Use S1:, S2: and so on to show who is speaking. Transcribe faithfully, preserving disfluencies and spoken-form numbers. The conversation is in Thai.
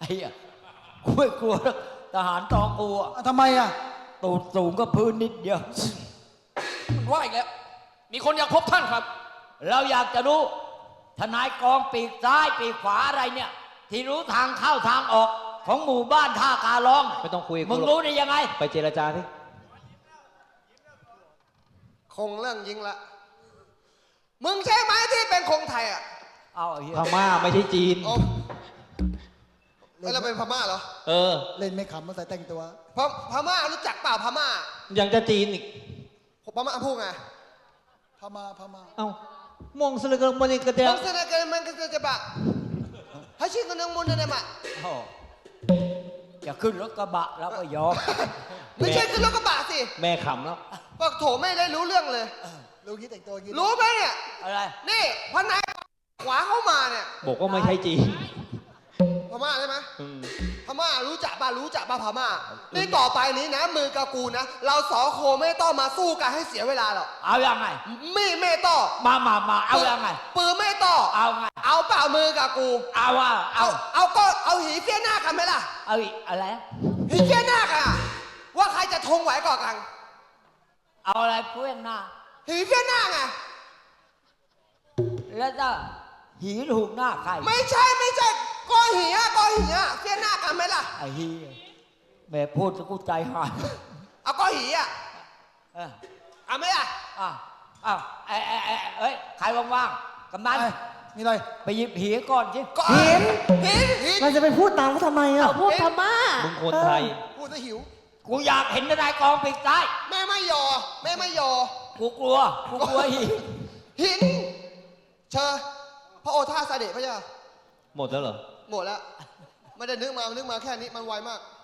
S1: อ้อะกูไม่กลัวทหารตองกูอะ
S2: ทำไมอ่ะ
S1: ตูดสูงก็พื้นนิดเดียว
S3: มันว่าอีกแล้วมีคนอยากพบท่านครับ
S1: เราอยากจะรู้ทนายกองปีกซ้ายปีกขวาอะไรเนี่ยที่รู้ทางเข้าทางออกของหมู่บ้านท่าการร้อง
S4: ไม่ต้องคุย
S1: มึงรู้ได้ยังไง
S4: ไปเจรจาที่
S5: คงเรื่องยิงละมึงใช่ไหมที่เป็นคงไทยอ่ะ
S1: เอาเฮีย
S4: พม่าไม่ใช่จีน
S5: แล้วเราเป็นพม่าเหรอ
S4: เออ
S2: เล่นไม่ขำมาใส่แต่งตัว
S5: พพม่ารู้จักเปล่าพม่า
S4: ยังจะจีนอีก
S5: พม่าพูดไง
S2: พม่าพม่า
S4: เอ้ามองสลึกมันอีกกระเดีย
S5: มองสลึกมันก็จะบะให้ชื่อกันนึงมุนได้ไหม
S1: จะขึ้นรถกระบะแล้วก็ยอม
S5: ไม่ใช่ขึ้นรถกระบะสิ
S4: แม่ขำแล้ว
S5: บอกโถไม่ได้รู้เรื่องเลย
S2: รู้คิดแต่งตัวคิด
S5: รู้ไหมเนี่ย
S1: อะไร
S5: นี่พนายขวาเข้ามาเนี่ย
S4: บอกว่าไม่ใช่จีน
S5: พม่าใช่ไหมพม่ารู้จักป่ะรู้จักป่ะพม่านี่ต่อไปนี้นะมือกับกูนะเราสองโคไม่ต้องมาสู้กันให้เสียเวลาหรอก
S1: เอายังไง
S5: มีไม่ต่อ
S1: มามามาเอายังไง
S5: ปืนไม่ต่อ
S1: เอาไง
S5: เอาเปล่ามือกับกู
S1: เอาว่าเอา
S5: เอาก็เอาหีเฟี้ยหน้ากันไหมล่ะ
S1: เอาอะไร
S5: หีเฟี้ยหน้ากันว่าใครจะทงไหวก่อนกัน
S1: เอาอะไรเพื่อนหน้า
S5: หีเฟี้ยหน้าไง
S1: แล้วจะหีถูกหน้าใคร
S5: ไม่ใช่ไม่ใช่ก้อนหีอะก้อนหีอะเฟี้ยหน้ากันไหมล่ะ
S1: ไอ้หีแม่พูดจะกูใจหาย
S5: เอาก้อนหีอะเอาไหมล่ะ
S1: อ้าวอ้าวไอ้ไอ้ไอ้เอ้ยใครว่างๆกำนัน
S2: มีอะไร
S1: ไปหยิบหีก่อนสิ
S2: หิน
S5: หินหิน
S2: เราจะไปพูดตามเขาทำไมอ่ะ
S6: พูดพม่า
S4: มึงคนไทย
S5: พูดจะหิว
S1: กูอยากเห็นทนายกองปีกซ้าย
S5: แม่ไม่ยอแม่ไม่ยอ
S1: กูกลัวกูกลัวหิน
S5: หินเชิญพระโอษฐาเสด็จพระเจ้า
S4: หมดแล้วเหรอ
S5: หมดแล้วไม่ได้นึกมานึกมาแค่นี้มันไวมาก